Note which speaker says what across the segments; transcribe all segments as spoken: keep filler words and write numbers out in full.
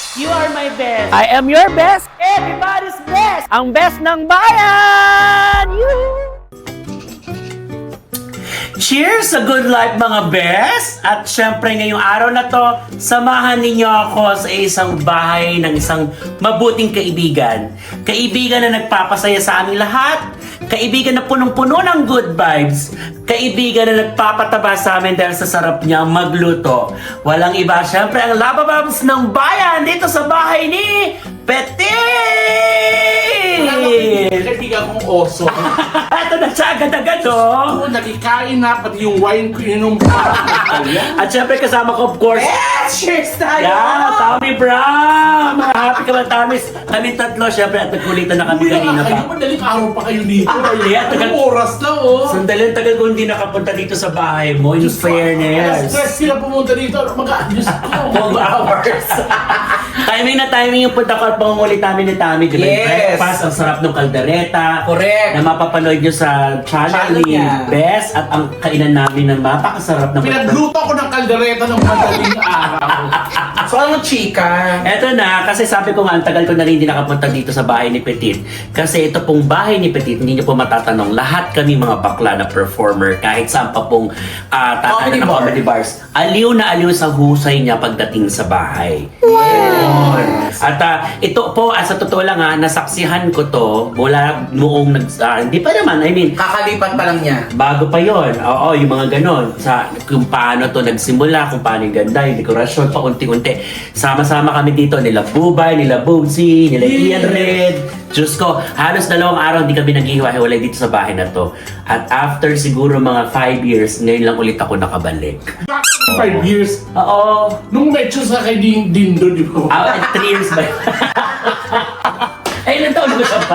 Speaker 1: You are my best. I am your best. Everybody's best. Ang best ng bayan. Yoo! Cheers sa good life mga best! At syempre ngayong araw na to, samahan ninyo ako sa isang bahay ng isang mabuting kaibigan. Kaibigan na nagpapasaya sa aming lahat. Kaibigan na punong-puno ng good vibes. Kaibigan na nagpapataba sa amin dahil sa sarap niya magluto. Walang iba, syempre ang labababs ng bayan dito sa bahay ni Petit!
Speaker 2: Kaibigan kong oso.
Speaker 1: Ito na siya agad-agad, oh!
Speaker 2: Oo, nagkikain na, pati yung wine ko inom pa.
Speaker 1: At syempre kasama ko, of course,
Speaker 3: Yes! Cheers tayo!
Speaker 1: yeah, Tommy Brown! Mga happy ka ba, Tommy's? Kami tatlo, syempre, at nagkulitan na kami kanina
Speaker 2: Kayo,
Speaker 1: pa.
Speaker 2: madaling araw pa kayo dito.
Speaker 1: Yeah, tagal-
Speaker 2: Anong oras na, oh.
Speaker 1: Sandali, ang tagal ko hindi nakapunta dito sa bahay mo, in fairness.
Speaker 2: Stress sila pumunta dito. Mag-aayos ko.
Speaker 1: Two hours. Timing na timing yung punta ko at pangungulit namin ni Tommy. Diba?
Speaker 3: Yes.
Speaker 1: Breakfast, ang sarap ng kaldereta.
Speaker 3: Correct.
Speaker 1: Na mapapanood nyo sa channel
Speaker 3: Channel
Speaker 1: ni
Speaker 3: niya.
Speaker 1: Bess. At ang kainan namin ng napakasarap na
Speaker 2: Pinagluto ko ng kaldereta ng madaling araw.
Speaker 3: So, ano chika?
Speaker 1: Eto na, kasi sabi ko nga, ang tagal ko na rin hindi nakapunta dito sa bahay ni Petit. Kasi ito pong bahay ni Petit, hindi niyo po matatanong, lahat kami mga bakla na performer, kahit saan pa pong uh,
Speaker 3: Comedy
Speaker 1: ng
Speaker 3: bar.
Speaker 1: comedy bars. Aliw na aliw sa husay niya pagdating sa bahay. Yun. At ah, ito po, ah, sa totoo lang ha, nasaksihan ko to mula noong nag... ah, hindi pa naman, I mean,
Speaker 3: Kakalipat pa lang niya.
Speaker 1: bago pa yon. Oo, yung mga ganon. Sa kung paano to nagsimula, kung paano yung ganda, yung dekorasyon, pa unti-unti. Sama-sama kami dito, nila Bubay, nila Boobsy, nila Ian Red. Diyos ko, halos dalawang araw hindi kami naghihiwa-hiwalay dito sa bahay na to. At after siguro mga five years, ngayon lang ulit ako nakabalik.
Speaker 2: Five years.
Speaker 1: Oo.
Speaker 2: Nung medyo sa kay Din Dindo, di ba?
Speaker 1: Ah, three years ba? Ay, ilang taon ko siya pa?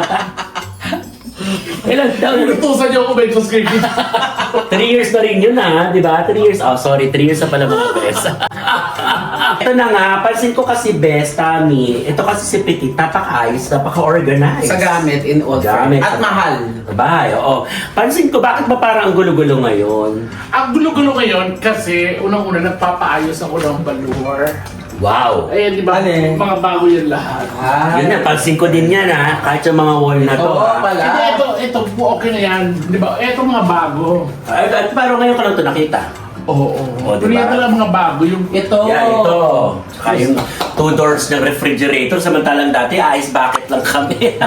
Speaker 1: Ilang taon?
Speaker 2: Inutusan niyo ako medyo sa kay Din.
Speaker 1: Three years na rin yun ah, di ba? Three years, oh sorry, three years na pala mga bes. Ito na nga, pansin ko kasi bes, Tommy, ito kasi si Petit, napaka-ayos, napaka-organized.
Speaker 3: Sa gamit in all
Speaker 1: Gamit.
Speaker 3: At mahal.
Speaker 1: Bahay, oo. Pansin ko, bakit ba parang ang gulo-gulo ngayon?
Speaker 2: Ang gulo-gulo ngayon kasi unang-una nagpapaayos ako ng balur.
Speaker 1: Wow!
Speaker 2: Ayan, di ba?
Speaker 3: Ano eh?
Speaker 2: Mga bago yan lahat.
Speaker 3: Ah.
Speaker 1: Yun na, pansin ko din yan ha, kahit yung mga wall na to.
Speaker 3: Oo
Speaker 1: ah.
Speaker 3: pala.
Speaker 2: Hindi, ito, ito po okay na yan. Di ba? Ito mga bago.
Speaker 1: Ay, at parang ngayon ka lang ito nakita.
Speaker 2: Oo, oo.
Speaker 1: Oh,
Speaker 2: Pero
Speaker 1: diba?
Speaker 2: ito lang mga bago. Yung
Speaker 3: Ito.
Speaker 1: Yan, ito. Saka yung two doors ng refrigerator, samantalang dati, ice bucket lang kami.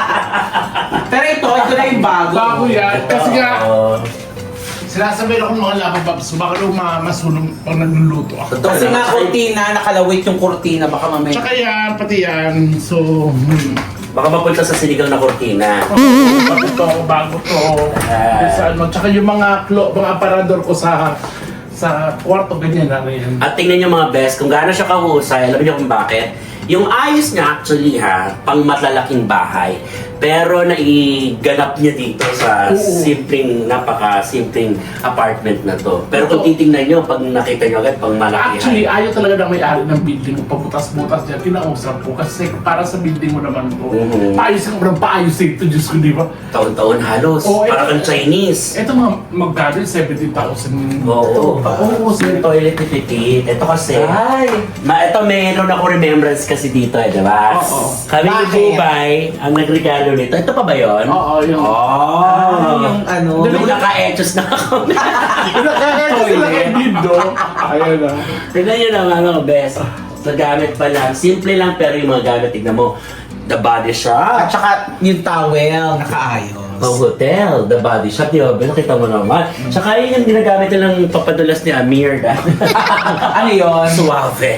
Speaker 3: Pero ito, ito na yung bago.
Speaker 2: bago yan. Kasi nga,
Speaker 1: Oo.
Speaker 2: sinasabi ako ng mga lapababs, baka daw ma- masunog pag nagluluto ako.
Speaker 1: Totoo.
Speaker 3: Kasi nga kurtina, nakalawit yung kurtina, baka mamaya.
Speaker 2: Tsaka yan, pati yan. So, hmm.
Speaker 1: Baka mapunta sa sinigang na kortina.
Speaker 2: bago to, bago to.
Speaker 1: Ah.
Speaker 2: Sa ano, tsaka yung mga, klo, mga aparador ko sa sa kwarto, ganyan na rin.
Speaker 1: At tingnan nyo mga best, kung gaano siya kahusay, alam niyo kung bakit? Yung ayos niya actually ha, pang malalaking bahay. Pero naiganap niya dito sa
Speaker 2: Oo.
Speaker 1: simpleng, napaka-simpleng apartment na to. Pero kung
Speaker 2: Totoo.
Speaker 1: titingnan nyo, pag nakita nyo agad, pang malaki.
Speaker 2: Actually, ayaw talaga ng may-ari ng building mo. Pabutas-butas niya, kinausap ko. Kasi para sa building mo naman to.
Speaker 1: Mhm.
Speaker 2: Paayos ka ng paayos ito, Diyos ko, di ba?
Speaker 1: Taon-taon halos,
Speaker 2: Oo,
Speaker 1: parang
Speaker 2: ito-
Speaker 1: kang Chinese.
Speaker 2: Ito mga magkano, seventeen thousand.
Speaker 1: Oo.
Speaker 2: Oo,
Speaker 1: Yung toilet ni Petit. Ito kasi,
Speaker 3: Ay.
Speaker 1: ma, ito meron ako remembrance kasi dito eh, di ba?
Speaker 2: Oo.
Speaker 1: Kami ni
Speaker 3: Bakit?
Speaker 1: Bubay, ang nagregalo nito. Ito pa ba yun?
Speaker 2: Oo, yung...
Speaker 1: Oh.
Speaker 3: Ah, yung ano.
Speaker 1: Nung naka-etchos na ako.
Speaker 2: Kaya sila kay Dindo. Ayun na.
Speaker 1: Tignan nyo naman mga best. Sa gamit pa lang. Simple lang pero yung mga gamit, tignan mo. The Body
Speaker 3: At
Speaker 1: Shop.
Speaker 3: saka yung towel, nakaayos.
Speaker 1: Pang hotel, The Body Shop. Di ba? Nakita mo naman. Tsaka yun yung ginagamit nilang papadulas ni Amir.
Speaker 3: Ano yun?
Speaker 1: Suave.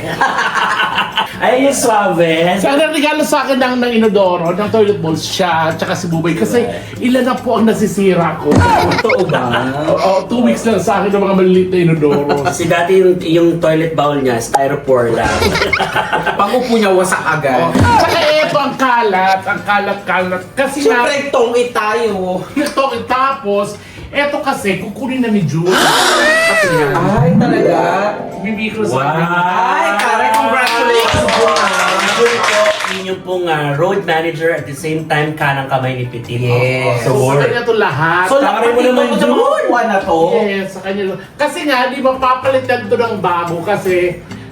Speaker 1: Ay, yung suave.
Speaker 2: Sa ang regalo sa akin ng, ng inodoro, ng toilet bowl siya, tsaka si Bubay. Kasi ilan na po ang nasisira ko.
Speaker 1: Totoo ba?
Speaker 2: Oo, two weeks lang sa akin ng mga maliliit na inodoro.
Speaker 1: Kasi dati yung, yung toilet bowl niya, styrofoam lang.
Speaker 3: Pag-upo niya, wasak
Speaker 2: Oh.
Speaker 3: agad.
Speaker 2: Tsaka eto ang kalat, ang kalat-kalat. Kasi nga,
Speaker 3: Siyempre, tongit tayo.
Speaker 2: ito, tapos, eto kasi, kukunin na ni Jules. Kasi nga,
Speaker 3: Ay, talaga?
Speaker 2: bibigay ko sa
Speaker 1: Wow!
Speaker 2: akin.
Speaker 3: Ay, Karen, congratulations po ah.
Speaker 1: Siguro po, yun yung pong ah, road manager at the same time kanang kamay ni Petit.
Speaker 3: Yes.
Speaker 1: Sa
Speaker 2: So, sa
Speaker 1: work.
Speaker 2: kanya to lahat.
Speaker 3: So,
Speaker 1: Tama rin mo
Speaker 3: nakapatid
Speaker 1: naman
Speaker 3: ko sa mga
Speaker 1: yun.
Speaker 3: upuan na to.
Speaker 2: Yes, sa kanya. Kasi nga, di ba papalitan to ng bago kasi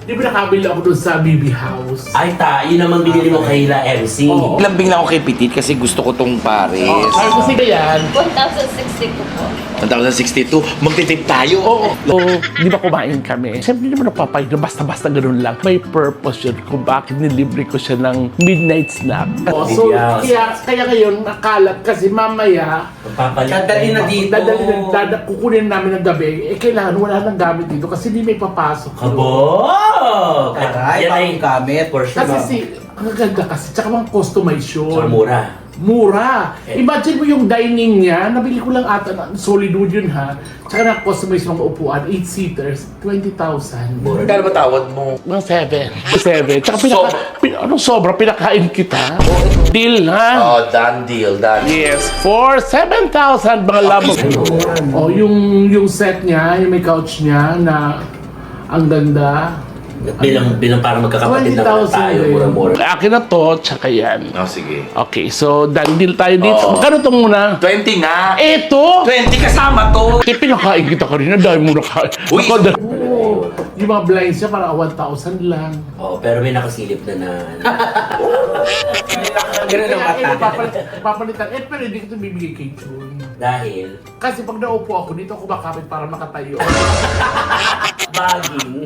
Speaker 2: di ba nakabili ako doon sa B B House?
Speaker 1: Ay, ta, yun naman binili mo kay La M C.
Speaker 2: Oo.
Speaker 4: Lambing lang ako kay Petit kasi gusto ko tong Paris.
Speaker 2: Oh, sabi ko sige yan.
Speaker 5: one thousand sixty ko po.
Speaker 4: one thousand sixty-two, magtitip tayo.
Speaker 2: Oo. So, di ba kumain kami? Siyempre, di ba napapayag na basta-basta ganun lang. May purpose yun kung bakit nilibre ko siya ng midnight snack. Oh, so,
Speaker 1: Yes.
Speaker 2: kaya, kaya ngayon, nakalat kasi mamaya,
Speaker 1: Papalit.
Speaker 3: Dadali na dito.
Speaker 2: dadali na, dada, kukunin namin ng gabi, eh kailangan wala nang gamit dito kasi hindi may papasok.
Speaker 1: Abo!
Speaker 3: Aray,
Speaker 1: Yan ay
Speaker 3: bagong gamit.
Speaker 1: for sure.
Speaker 2: Kasi si, ang ganda kasi, tsaka mga customization.
Speaker 1: Saka mura.
Speaker 2: Mura.
Speaker 1: Eh.
Speaker 2: Imagine mo yung dining niya, nabili ko lang ata, na- solid wood yun ha. Tsaka na-customize mga upuan, eight seaters, twenty thousand.
Speaker 1: Mura.
Speaker 4: Kano ba tawad mo?
Speaker 2: Mga seven. Seven. Tsaka pinaka, pin, anong sobra, pinakain kita. Deal ha?
Speaker 4: Oh, done deal, done.
Speaker 2: Yes, for seven thousand mga labog. Oh, yung yung set niya, yung may couch niya na ang ganda.
Speaker 1: Bilang, bilang para magkakapatid na
Speaker 2: twenty thousand
Speaker 1: tayo,
Speaker 2: din.
Speaker 1: mura-mura.
Speaker 2: Akin na to, tsaka yan.
Speaker 4: Oh, sige.
Speaker 2: Okay, so done deal tayo dito.
Speaker 4: Oo.
Speaker 2: Magkano to muna?
Speaker 4: twenty nga.
Speaker 2: Eto!
Speaker 4: twenty kasama to.
Speaker 2: Eh, pinakain kita kanina dahil mo nakain.
Speaker 4: Uy,
Speaker 2: Ako, dahil- Oo. Yung mga blinds niya para one thousand lang.
Speaker 1: Oh, pero may nakasilip na na.
Speaker 3: Ganun ang
Speaker 2: Kaya, eh,
Speaker 3: mata.
Speaker 2: papalit- papalitan. Eh, pero hindi ko ito bibigay kay June.
Speaker 1: Dahil,
Speaker 2: Kasi pag naupo ako dito, ako makapit para makatayo.
Speaker 1: baging.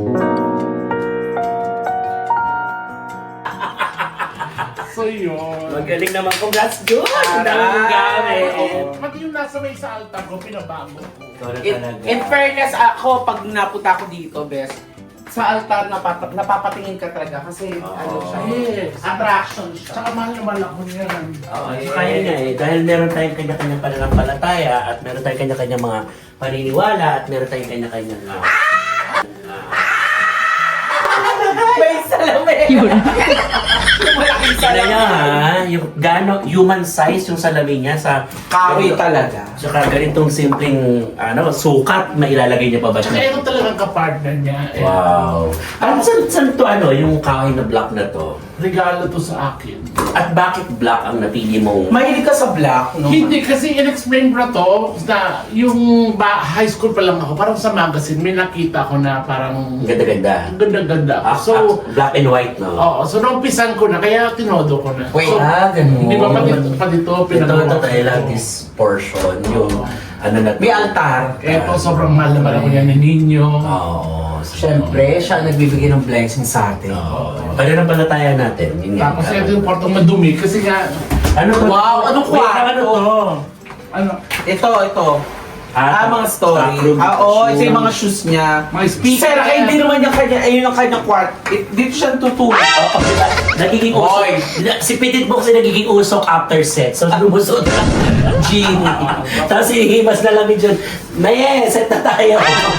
Speaker 2: So yun.
Speaker 1: Magaling naman. Congrats, Jun! Ang dami mong gamit.
Speaker 2: Oh, pati yung nasa may sa altar ko, pinabago ko.
Speaker 1: Ikaw na
Speaker 3: In,
Speaker 1: talaga.
Speaker 3: in fairness, ako, pag napunta ako dito, best, sa altar napapa, napapatingin ka talaga kasi ano siya,
Speaker 2: Yes.
Speaker 3: attraction siya.
Speaker 2: Tsaka mahal naman ako niyan.
Speaker 1: Oo, eh, kaya nga eh. Dahil meron tayong kanya-kanyang pananampalataya at meron tayong kanya-kanyang mga paniniwala at meron tayong kanya-kanyang uh,
Speaker 3: May salamin! Yung malaking
Speaker 1: Ano niya
Speaker 3: salamin.
Speaker 1: ha, yung gano, human size yung salamin niya sa
Speaker 3: Kawi talaga.
Speaker 1: Tsaka ganitong simpleng ano, sukat, mailalagay niya pa ba
Speaker 2: Tsaka
Speaker 1: siya?
Speaker 2: ito talagang kapartner niya. Eh,
Speaker 1: Wow. Ano, saan, saan to ano, yung kahoy na block na to?
Speaker 2: regalo to sa akin.
Speaker 1: At bakit black ang napili mong...
Speaker 3: Mahilig ka sa black, no?
Speaker 2: Hindi, kasi in-explain ko na to na yung ba, high school pa lang ako, parang sa magazine, may nakita ko na parang
Speaker 1: Ang ganda-ganda.
Speaker 2: ang ganda-ganda ako.
Speaker 1: Ah,
Speaker 2: So,
Speaker 1: ah, black and white, no?
Speaker 2: oo, so naumpisan ko na, kaya tinodo ko na.
Speaker 3: Wait,
Speaker 2: so,
Speaker 1: ah, ganun.
Speaker 2: Hindi ba pati, pati to,
Speaker 1: Ito, ito
Speaker 2: pinagawa
Speaker 1: tayo lang,
Speaker 2: ko.
Speaker 1: this portion, yung ano na to.
Speaker 3: may altar.
Speaker 2: Eto, sobrang mahal naman ako niya ni Ninyo.
Speaker 1: Oo.
Speaker 3: Siyempre, siya ang nagbibigay ng blessing sa atin.
Speaker 1: Oo. Pananampalataya natin. Yun nga.
Speaker 2: Tapos ito yung portong madumi, kasi nga,
Speaker 1: Ano to?
Speaker 3: Wow, anong
Speaker 1: Wait,
Speaker 3: kwarto?
Speaker 1: ano to?
Speaker 2: ano,
Speaker 3: Ito, ito. Ah, mga story.
Speaker 1: backroom
Speaker 3: Ah, oo, ito yung
Speaker 1: shoes.
Speaker 3: mga shoes niya.
Speaker 2: mga speaker.
Speaker 3: Sir, kaya hindi naman yung kanya, ayun ang kanyang kwart. It, dito siya tutulog.
Speaker 1: Oo, diba? Nagiging usok.
Speaker 3: Hoy!
Speaker 1: Si Petit Box ay nagiging usok after set. So, lumusot na.
Speaker 3: Genie.
Speaker 1: Tapos hihimas na lang dyan. Maye, set na tayo.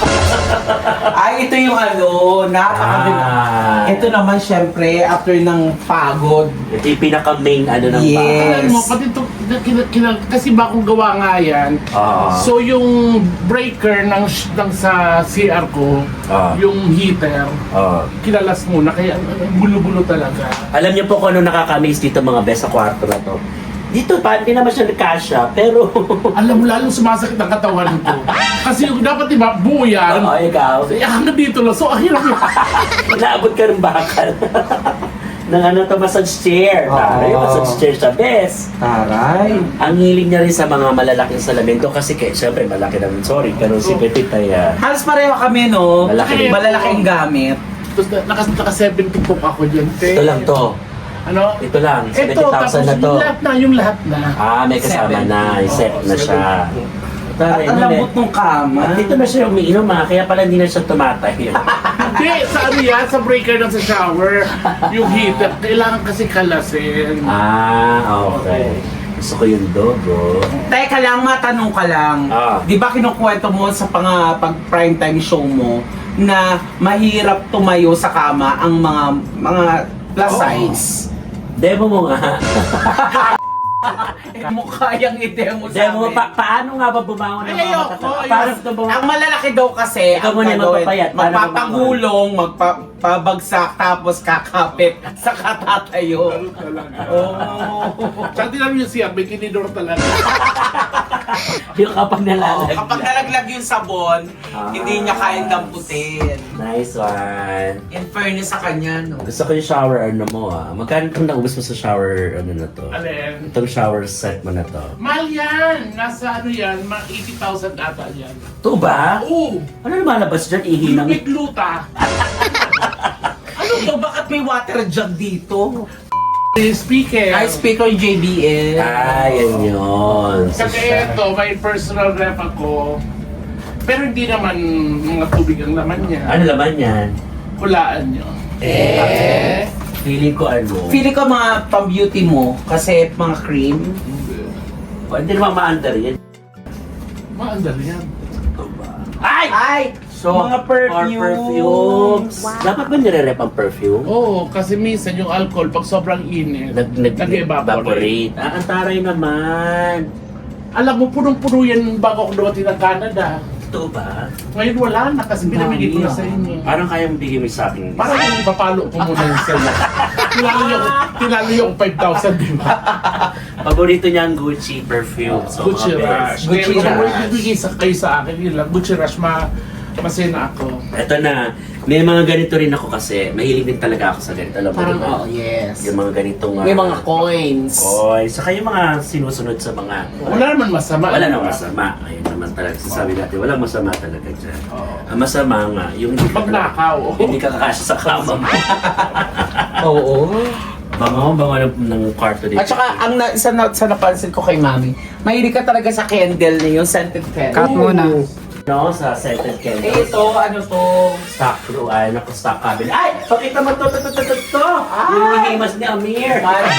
Speaker 3: Ay, ito yung ano, napakaganda.
Speaker 1: Ah.
Speaker 3: Ito naman, syempre, after ng pagod.
Speaker 1: Ito yung pinaka-main ano ng
Speaker 3: Yes.
Speaker 1: bahay.
Speaker 2: Alam mo, pati ito, kina- kina- kasi bagong gawa nga yan.
Speaker 1: Oo.
Speaker 2: So yung breaker ng, sh- ng sa C R ko,
Speaker 1: Ah.
Speaker 2: yung heater,
Speaker 1: Oo.
Speaker 2: kinalas muna, kaya ang- ang gulo-gulo talaga.
Speaker 1: Alam niyo po kung ano nakakamiss dito mga best sa kwarto na to. Dito pa, hindi naman siya nagkasya, pero...
Speaker 2: Alam mo, lalong sumasakit ang katawan ko. Kasi yung dapat diba, buo yan.
Speaker 1: Oo, ikaw.
Speaker 2: Eh, hanggang dito lang. So, ang hirap yun.
Speaker 1: Naabot ka ng bakal. ng ano to, massage chair.
Speaker 3: Oo.
Speaker 1: Taray, massage chair siya, best.
Speaker 3: Taray.
Speaker 1: Ang hilig niya rin sa mga malalaking salamin to kasi kaya, syempre, malaki naman. Sorry, pero si Petit ay... ah,
Speaker 3: Halos pareho kami, no?
Speaker 1: Malaki.
Speaker 3: Malalaking gamit.
Speaker 2: Tapos na- naka, naka seventy cook ako dyan. te.
Speaker 1: ito lang to.
Speaker 2: Ano?
Speaker 1: Ito lang,
Speaker 2: Ito,
Speaker 1: seventy
Speaker 2: tapos
Speaker 1: thousand na to.
Speaker 2: yung lahat na, yung lahat na.
Speaker 1: Ah, may kasama
Speaker 3: Seven.
Speaker 1: na. Set
Speaker 2: Oo,
Speaker 1: na siya.
Speaker 3: At ang lambot ng kama.
Speaker 1: At dito na siya umiinom ha, kaya pala hindi na siya tumatay.
Speaker 2: Hindi, sa ano yan, sa breaker ng sa shower, yung heater, kailangan kasi kalasin.
Speaker 1: ah, okay. Gusto ko yung dogo.
Speaker 3: Teka lang, matanong ka lang.
Speaker 1: Ah.
Speaker 3: Di ba kinukwento mo sa pang, pag prime time show mo na mahirap tumayo sa kama ang mga mga plus
Speaker 1: Oo.
Speaker 3: size?
Speaker 1: Demo mo nga.
Speaker 3: Eh, mukha yung i-demo sa
Speaker 1: Demo,
Speaker 3: amin.
Speaker 1: pa paano nga ba bumangon ng
Speaker 3: Ay,
Speaker 1: mga
Speaker 3: ayoko.
Speaker 1: matatanda?
Speaker 3: ayos.
Speaker 1: Paano ito bumangon?
Speaker 3: Ang malalaki daw kasi,
Speaker 1: Ikaw
Speaker 3: ang
Speaker 1: muna yung
Speaker 3: gagawin,
Speaker 1: magpapayat. Paano
Speaker 3: magpapagulong, magpapabagsak, tapos kakapit, saka tatayo. Oh.
Speaker 2: Tsaka tinan mo yung siya, may kinidor talaga.
Speaker 1: Yung kapag
Speaker 3: Oh,
Speaker 1: nalalagyan.
Speaker 3: kapag nalaglag yung sabon,
Speaker 1: Ah.
Speaker 3: hindi niya kayang damputin.
Speaker 1: Nice one.
Speaker 3: In fairness sa kanya, no?
Speaker 1: Gusto ko yung shower ano mo ah. Magkano itong naubos mo sa shower ano na to?
Speaker 2: Alin?
Speaker 1: Itong shower set mo na to.
Speaker 2: Mahal yan! Nasa ano yan, mga eighty thousand ata yan.
Speaker 1: Ito ba?
Speaker 2: Oo!
Speaker 1: Ano lumalabas dyan? Ihi ng...
Speaker 2: Lupit luta!
Speaker 3: Ano to? Bakit may water jug dito?
Speaker 2: Speaker!
Speaker 3: Ay, speaker yung J B L.
Speaker 1: Ah, yan yun. So,
Speaker 2: Kasi
Speaker 1: siya-
Speaker 2: ito, may personal ref ako. Pero hindi naman mga tubig ang laman niya.
Speaker 1: Ano laman yan?
Speaker 2: Hulaan niyo.
Speaker 1: Eh, feeling ko ano.
Speaker 3: Feeling ko mga pang-beauty mo, kasi mga cream.
Speaker 1: Hindi naman ma-under yan.
Speaker 2: Maandal yan.
Speaker 1: Ito ba? Ay!
Speaker 3: Ay!
Speaker 1: So, mga perfumes. perfumes. Dapat ba nire-rep ang perfume?
Speaker 2: Oo, kasi minsan yung alcohol, pag sobrang init,
Speaker 1: Nag, nag,
Speaker 2: nag-evaporate.
Speaker 1: Ah, ang taray naman.
Speaker 2: Alam mo, punong-puno yan bago ako dumating ng Canada.
Speaker 1: Ito ba?
Speaker 2: Ngayon wala na kasi binamigay ko na sa inyo.
Speaker 1: Parang kayang bigyan mo sa akin.
Speaker 2: Parang yung ipapalo ko muna yung sa'yo. Tinalo yung, tinalo yung five thousand, di ba?
Speaker 1: Paborito niya ang Gucci perfume. So,
Speaker 2: Gucci
Speaker 1: mga
Speaker 2: Rush.
Speaker 1: best.
Speaker 3: Gucci
Speaker 2: Gucci Rush.
Speaker 3: Rush.
Speaker 2: Ibigay sa kayo sa akin, yun lang. Gucci Rush, ma masena ako.
Speaker 1: Ito na. May mga ganito rin ako kasi. Mahilig din talaga ako sa ganito. Alam mo,
Speaker 3: Parang,
Speaker 1: diba?
Speaker 3: oh, yes.
Speaker 1: Yung mga ganitong...
Speaker 3: May
Speaker 1: ah,
Speaker 3: mga coins.
Speaker 1: Coins. Saka yung mga sinusunod sa mga...
Speaker 2: Wala naman masama.
Speaker 1: Wala
Speaker 2: di
Speaker 1: nang
Speaker 2: ba?
Speaker 1: masama. Ayun naman talaga. Sasabi natin, walang masama talaga dyan.
Speaker 2: Oo.
Speaker 1: Ang masama nga, yung hindi ka,
Speaker 2: Magnakaw.
Speaker 1: hindi ka kakasya sa kama mo.
Speaker 3: Oo.
Speaker 1: Bango, bango ng, ng kwarto dito.
Speaker 3: At saka, ang na, isa na, sa napansin ko kay Mami, mahilig ka talaga sa candle na yung scented candle.
Speaker 6: Cut muna.
Speaker 1: No, sa scented candles.
Speaker 3: Eh, ito, ano to?
Speaker 1: Stock crew, ay, naku, stock cabinet. Ay! Pakita mo to, to, to, to, to, to!
Speaker 3: Ah!
Speaker 1: Yung hinihimas ni Amir.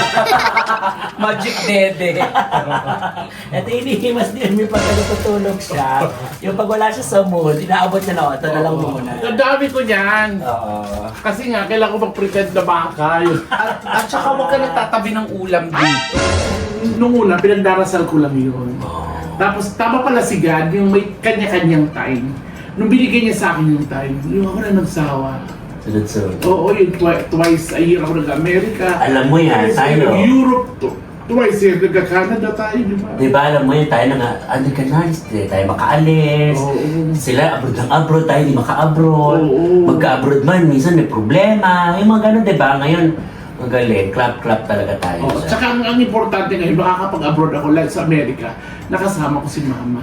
Speaker 3: Magic dede.
Speaker 1: Ito yung hinihimas ni Amir pag natutulog siya. Yung pag wala siya sa mood, inaabot niya na, ito na lang muna.
Speaker 2: Ang dami ko niyan.
Speaker 1: Oo.
Speaker 2: Kasi nga, kailangan ko mag-pretend na baka. Yun.
Speaker 3: At, at saka huwag ka nagtatabi ng ulam dito.
Speaker 2: Nung una, pinagdarasal ko lang yun. Tapos, tama pala si God, yung may kanya-kanyang time. Nung binigay niya sa akin yung time, yung ako na nagsawa.
Speaker 1: Sunod-sunod.
Speaker 2: Oo, yun, twi- twice a year ako nag-Amerika.
Speaker 1: Alam mo yan,
Speaker 2: Twice a
Speaker 1: tayo.
Speaker 2: year Europe, to- twice a year nag-Canada tayo, di ba?
Speaker 1: Di ba, alam mo yun, tayo na nga, ano ka na, hindi tayo makaalis.
Speaker 2: Oo.
Speaker 1: Sila, abroad ng abroad, tayo hindi maka-abroad.
Speaker 2: Oo.
Speaker 1: Magka-abroad man, minsan may problema. Yung mga ganun, di ba? Ngayon, magaling, clap-clap talaga tayo.
Speaker 2: Oh,
Speaker 1: sa-
Speaker 2: tsaka ang, ang importante ngayon, makakapag-abroad ako like sa Amerika, nakasama ko si Mama.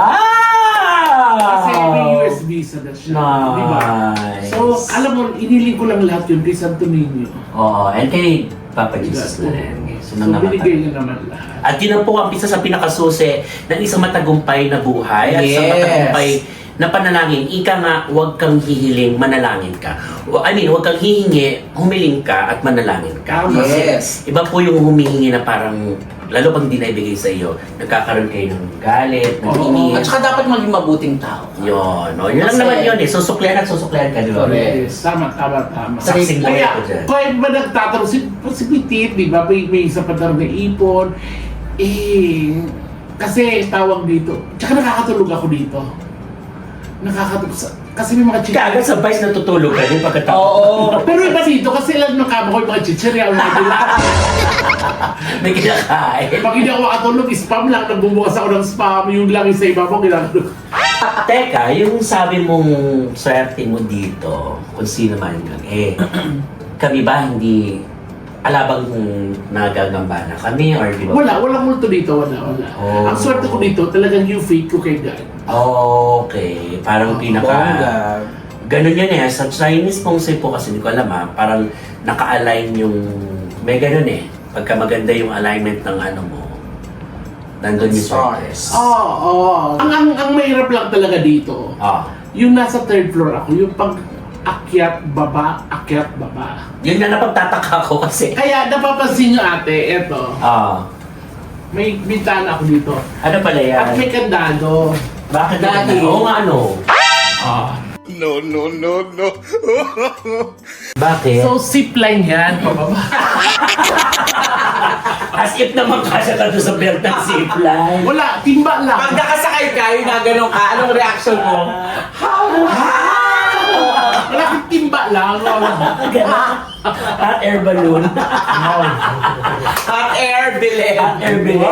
Speaker 1: Wow!
Speaker 2: Kasi may U S visa na siya, di ba?
Speaker 1: Nice.
Speaker 2: So, alam mo, iniling ko lang lahat yun kay Santo Niño.
Speaker 1: Oo, and kay Papa Jesus na rin.
Speaker 2: So,
Speaker 1: Sunod naman
Speaker 2: binigay
Speaker 1: tayo.
Speaker 2: niya naman lahat.
Speaker 1: At yun ang po ang isa sa pinakasusi ng isang matagumpay na buhay at isang
Speaker 3: Yes.
Speaker 1: matagumpay na panalangin. Ika nga, huwag kang hihiling, manalangin ka. O, I mean, huwag kang hihingi, humiling ka at manalangin ka.
Speaker 2: Tama.
Speaker 1: Kasi
Speaker 3: Yes.
Speaker 1: iba po yung humihingi na parang, lalo pag hindi na ibigay sa iyo, nagkakaroon kayo ng galit, ng
Speaker 3: Oo.
Speaker 1: init.
Speaker 3: At saka dapat maging mabuting tao.
Speaker 1: Yun, no? Yun lang
Speaker 3: Kasi-
Speaker 1: naman yun eh. Susuklian at susuklian ka, di ba?
Speaker 3: Correct.
Speaker 2: Yes, tama, tama, tama.
Speaker 1: Saksing buhay
Speaker 2: Kaya,
Speaker 1: ko dyan.
Speaker 2: kaya ba nagtatanong si, si Pitit, di ba? May, may isa pa daw na ipon. Eh, kasi tawag dito. Tsaka nakakatulog ako dito. Nakakatulog sa... Kasi may mga
Speaker 1: Kaya
Speaker 2: chichirya.
Speaker 1: agad sa vice natutulog ka din pagkatapos.
Speaker 3: Oo.
Speaker 2: Pero iba dito, kasi ilan ng kama ko yung mga chichirya. Mga dila.
Speaker 1: May kinakain.
Speaker 2: Pag hindi ako makatulog, spam lang. Nagbubukas ako ng spam. Yung lang yung sa iba mo, ginagawa.
Speaker 1: Teka, yung sabi mong swerte mo dito, kung sino man yun, eh, kami ba hindi alabang nagagamba na kami or di ba?
Speaker 2: Wala, walang multo dito. Wala, wala.
Speaker 1: Oh.
Speaker 2: Ang swerte ko dito, talagang you fake ko kay God.
Speaker 1: Okay, parang pinaka...
Speaker 3: Bongga.
Speaker 1: Ganun yun eh. Sa Chinese pong po kasi hindi ko alam ha, parang naka-align yung... May ganun eh. Pagka maganda yung alignment ng ano mo, nandun yung swerte.
Speaker 3: Stars.
Speaker 2: Oo, oo. Ang, ang, ang mahirap lang talaga dito,
Speaker 1: Ah.
Speaker 2: yung nasa third floor ako, yung pag akyat, baba, akyat, baba.
Speaker 1: Yun na napagtataka ko kasi.
Speaker 2: Kaya napapansin nyo ate, eto,
Speaker 1: Ah.
Speaker 2: may bintana ako dito.
Speaker 1: Ano pala yan?
Speaker 2: At may kandado.
Speaker 1: Bakit
Speaker 3: Daddy.
Speaker 1: Oo nga ano.
Speaker 2: Ah.
Speaker 1: Bakit?
Speaker 2: So, zipline yan, pababa.
Speaker 1: As if naman kasya ka doon sa belt ng zipline.
Speaker 2: Wala, timba lang.
Speaker 3: Pag nakasakay ka, yung naganon ka, anong reaction mo?
Speaker 2: Wala kang timba lang.
Speaker 1: Hot air balloon.
Speaker 3: Hot air, bilhin.
Speaker 1: Hot air balloon.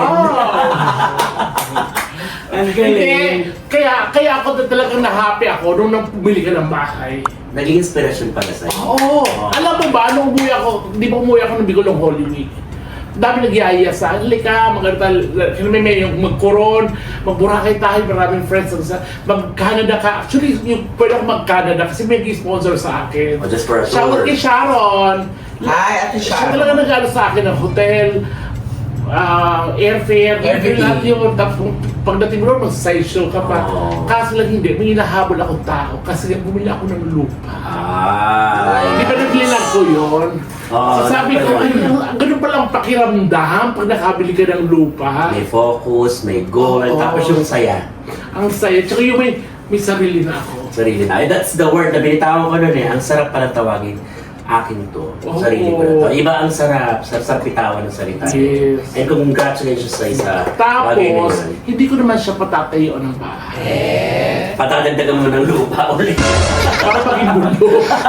Speaker 1: Ang
Speaker 2: Hindi,
Speaker 1: galing.
Speaker 2: kaya, kaya ako na talagang na-happy ako nung nang pumili ka ng bahay.
Speaker 1: Naging inspiration pala sa'yo.
Speaker 2: Oo. Alam mo ba, nung umuwi ako, di ba umuwi ako ng Bicol ng Holy Week? Dami nagyaya sa halika, maganda, may may yung magkoron, magburakay tayo, maraming friends. Sa, mag-Canada ka. Actually, yung pwede ako mag-Canada kasi may sponsor sa akin.
Speaker 1: Oh, just for a
Speaker 2: Shoutout
Speaker 1: tour.
Speaker 2: kay Sharon.
Speaker 3: Hi, Ate
Speaker 2: Siya
Speaker 3: Sharon.
Speaker 2: talaga nag-ano sa akin ng hotel, ah, airfare,
Speaker 3: Everything.
Speaker 2: lahat yun. Tapos kung pagdating mo ron, mag-side show ka pa.
Speaker 1: Oh.
Speaker 2: Kaso lang hindi, may hinahabol akong tao kasi bumili ako ng lupa.
Speaker 1: Ah.
Speaker 2: Di ba naglilang ko yun?
Speaker 1: Oo,
Speaker 2: so sabi ko,
Speaker 1: naman
Speaker 2: ay,
Speaker 1: yun.
Speaker 2: ang- ganun pala ang pakiramdam pag nakabili ka ng lupa.
Speaker 1: May focus, may goal,
Speaker 2: Oo.
Speaker 1: tapos yung saya.
Speaker 2: Ang saya. Tsaka yung may, may sarili na ako.
Speaker 1: Sarili na. Ay, that's the word na binitawan ko nun eh. Ang sarap pala tawagin. Akin to.
Speaker 2: Oo.
Speaker 1: Sarili ko na to. Iba ang sarap. Sarap sa bitawan ng salita.
Speaker 2: Yes.
Speaker 1: And congratulations sa isa. bagay na
Speaker 2: Tapos,
Speaker 1: yun.
Speaker 2: hindi ko naman siya patatayuan ng bahay.
Speaker 1: Patadagdagan mo ng lupa ulit.
Speaker 2: Para maging mundo.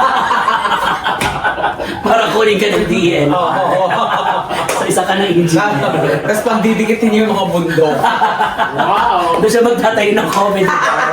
Speaker 1: Para kunin ka ng D N. So, isa ka ng engineer.
Speaker 3: Tapos pang didikitin niyo yung mga bundok.
Speaker 2: Wow!
Speaker 1: Doon siya magtatayo ng comedy.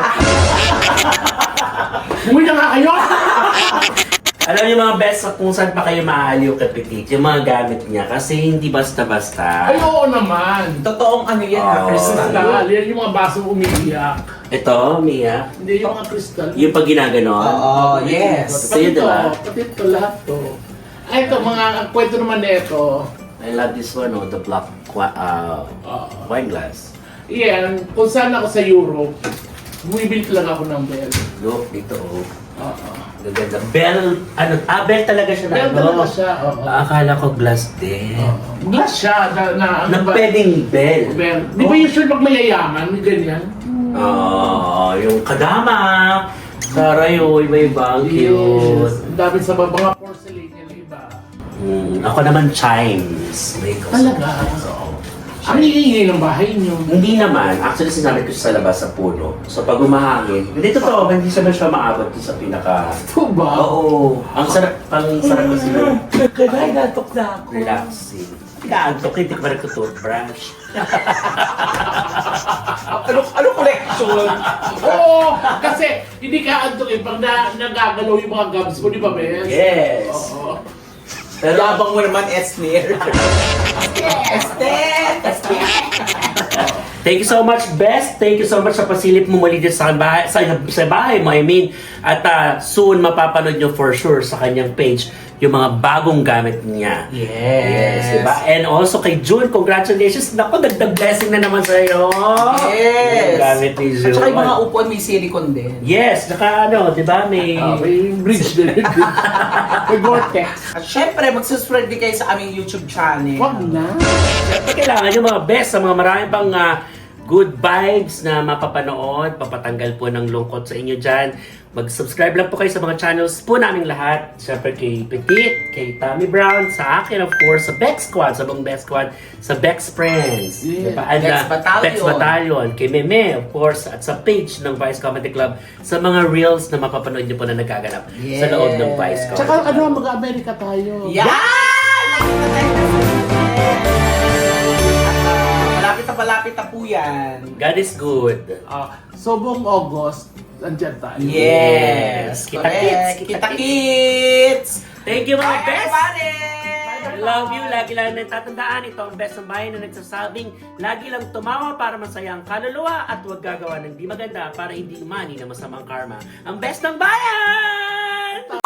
Speaker 2: Umuwi na nga kayo!
Speaker 1: Alam niyo mga best kung saan pa kayo maaaliw kay Petit, yung mga gamit niya. Kasi hindi basta-basta.
Speaker 2: Ay, oo naman.
Speaker 3: Totoong ano yan, ha,
Speaker 1: Oo.
Speaker 3: Crystal.
Speaker 2: Kristal, yan yung mga basong umiiyak.
Speaker 1: Ito, Mia.
Speaker 2: Hindi yung mga kristal.
Speaker 1: Yung pag ginaganon.
Speaker 3: Oo, yes.
Speaker 1: Sa'yo,
Speaker 2: Pati
Speaker 1: di ba?
Speaker 2: to, pati ito, lahat to. Ay, ito, mga ang kwento naman nito.
Speaker 1: I love this one, oh, the black qua- uh,
Speaker 2: Uh,
Speaker 1: wine glass.
Speaker 2: yan, kung saan ako sa Europe, bumibili talaga ako ng bell.
Speaker 1: Look, dito, oh.
Speaker 2: Oo.
Speaker 1: Gaganda. Bell, ano, ah, bell talaga siya na.
Speaker 2: Bell
Speaker 1: ano?
Speaker 2: talaga siya, oo.
Speaker 1: Ah, akala ko glass din.
Speaker 2: Oo. Glass siya, na, na ano
Speaker 1: Na
Speaker 2: ba?
Speaker 1: pwedeng bell.
Speaker 2: Bell. Di ba usually pag mayayaman, may ganyan?
Speaker 1: Oo, yung kadama. Saray, oh, iba-iba. Ang
Speaker 2: Yes.
Speaker 1: cute.
Speaker 2: Ang dami sa mga mga porcelain yan, iba.
Speaker 1: Mm, ako naman, chimes. May
Speaker 2: Talaga?
Speaker 1: Oo.
Speaker 2: Ang iingay ng bahay niyo.
Speaker 1: Hindi naman. Actually, sinabi ko siya sa labas sa puno. So, pag umahangin, hindi totoo, hindi siya siya maabot doon sa pinaka...
Speaker 2: Ito ba?
Speaker 1: Oo. Ang sarap, ang sarap kasi ng
Speaker 3: Kaya natok na ako.
Speaker 1: relaxing. Pinaantok, hindi ko pa nagtutoothbrush.
Speaker 3: Ano, ano collection?
Speaker 2: Oo! Kasi hindi ka antok eh. Pag na, nagagalaw yung mga gums mo, di ba, Bes?
Speaker 1: Yes.
Speaker 2: Oo.
Speaker 1: Pero,
Speaker 3: Yabang mo naman, Esner. Estet!
Speaker 1: thank you so much, Best. Thank you so much sa pasilip mo muli dito sa bahay, sa, sa bahay mo, I mean. At ah, soon, mapapanood nyo for sure sa kanyang page yung mga bagong gamit niya.
Speaker 3: Yes.
Speaker 1: Diba? And also kay June, congratulations. Naku, dagdag blessing na naman sa'yo.
Speaker 3: Yes.
Speaker 1: Yung gamit ni
Speaker 3: At
Speaker 1: June.
Speaker 3: saka yung mga upuan may silicone din.
Speaker 1: Yes, naka ano, di ba? May...
Speaker 2: Ah, may bridge din. May vortex.
Speaker 3: At syempre, magsuspread din kayo sa aming YouTube channel.
Speaker 2: Wag na.
Speaker 1: Siyempre, kailangan yung mga best sa mga maraming pang ah, good vibes na mapapanood, papatanggal po ng lungkot sa inyo dyan. Mag-subscribe lang po kayo sa mga channels po naming lahat. Siyempre kay Petit, kay Tommy Brown, sa akin of course, sa Bex Squad, sa buong Bex Squad, sa Bex Friends.
Speaker 2: Yeah.
Speaker 1: Diba? And,
Speaker 3: Bex
Speaker 1: ah,
Speaker 3: Battalion.
Speaker 1: Bex Battalion, kay Meme of course, at sa page ng Vice Comedy Club, sa mga reels na mapapanood niyo po na nagaganap sa loob ng Vice Comedy
Speaker 2: Tsaka
Speaker 1: Club.
Speaker 2: ano, mag-Amerika tayo.
Speaker 3: Yan! Malapit na malapit na po yan.
Speaker 1: God is good.
Speaker 2: Ah, so buong August, andyan tayo.
Speaker 1: Yes.
Speaker 3: Kita
Speaker 1: Kita-kits,
Speaker 3: kits!
Speaker 1: kita-kits.
Speaker 3: Kita kits!
Speaker 1: Thank you mga
Speaker 3: Bye
Speaker 1: best!
Speaker 3: everybody!
Speaker 1: I love you. Lagi lang natatandaan, ito ang best ng bayan na nagsasabing lagi lang tumawa para masaya ang kaluluwa at huwag gagawa ng di maganda para hindi umani na masamang karma. Ang best ng bayan!